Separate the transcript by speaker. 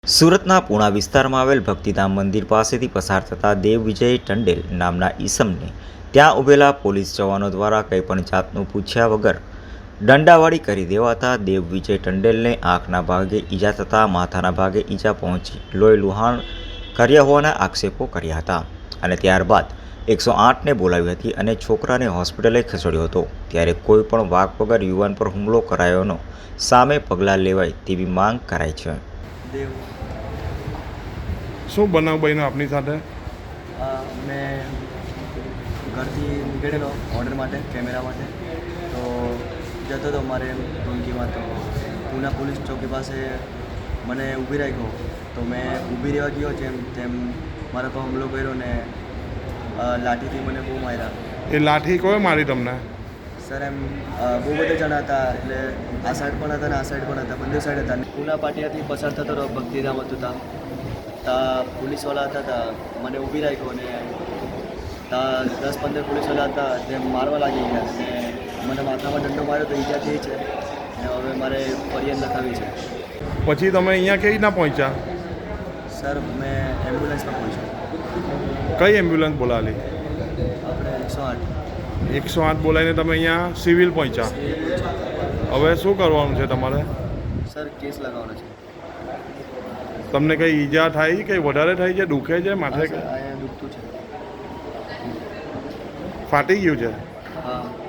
Speaker 1: સુરતના પૂણા વિસ્તારમાં આવેલ ભક્તિધામ મંદિર પાસેથી પસાર થતા દેવવિજય ટંડેલ નામના ઈસમને ત્યાં ઊભેલા પોલીસ જવાનો દ્વારા કંઈપણ જાતનું પૂછ્યા વગર દંડાવાળી કરી દેવાતા દેવવિજય ટંડેલને આંખના ભાગે ઈજા થતાં માથાના ભાગે ઈજા પહોંચી લોહી લુહાણ કર્યા હોવાના આક્ષેપો કર્યા હતા અને ત્યારબાદ 108ને બોલાવી હતી અને છોકરાને હોસ્પિટલે ખસેડ્યો હતો। ત્યારે કોઈ પણ વાક વગર યુવાન પર હુમલો કરાયોનો સામે પગલાં લેવાય તેવી માંગ કરાઈ છે।
Speaker 2: શું બનાવ બન્યો આપની સાથે?
Speaker 3: મેં ઘરથી નીકળેલો ઓર્ડર માટે કેમેરા માટે તો જતો હતો મારે ટૂંકીમાં તો પૂના પોલીસ ચોકી પાસે મને ઊભી રાખ્યો તો મેં ઊભી રહેવા ગયો જેમ તેમ મારા પર હુમલો કર્યો ને લાઠીથી મને બહુ માર્યા।
Speaker 2: એ લાઠી કોઈ મારી તમને?
Speaker 3: સર એમ બહુ બધા જણા હતા એટલે આ સાઈડ પણ હતા ને આ સાઈડ પણ હતા, બંને સાઈડ હતા। પૂના પાટિયાથી પસાર થતો હતો ભક્તિધામ હતું ત્યાં પોલીસવાળા હતા ત્યાં મને ઊભી રાખ્યો ને ત્યાં 10-15 પોલીસવાળા હતા તે મારવા લાગી ગયા ને મને માથામાં દંડો માર્યો તો ઈજા થઈ છે ને હવે મારે ફરિયાદ લખાવી છે।
Speaker 2: પછી તમે અહીંયા કેવી રીતના પહોંચ્યા?
Speaker 3: સર મેં એમ્બ્યુલન્સમાં પહોંચ્યો।
Speaker 2: કઈ એમ્બ્યુલન્સ બોલાવેલી?
Speaker 3: આપણે 108
Speaker 2: 108 બોલાવીને તમે અહીંયા સિવિલ પહોંચ્યા। હવે શું કરવાનું છે તમારે?
Speaker 3: સર કેસ લગાવવાનો છે।
Speaker 2: તમને કંઈ ઈજા થાય કંઈ વધારે થાય છે? દુખે છે માથે?
Speaker 3: અહીંયા દુખતું છે।
Speaker 2: ફાટી ગયું છે?
Speaker 3: હા।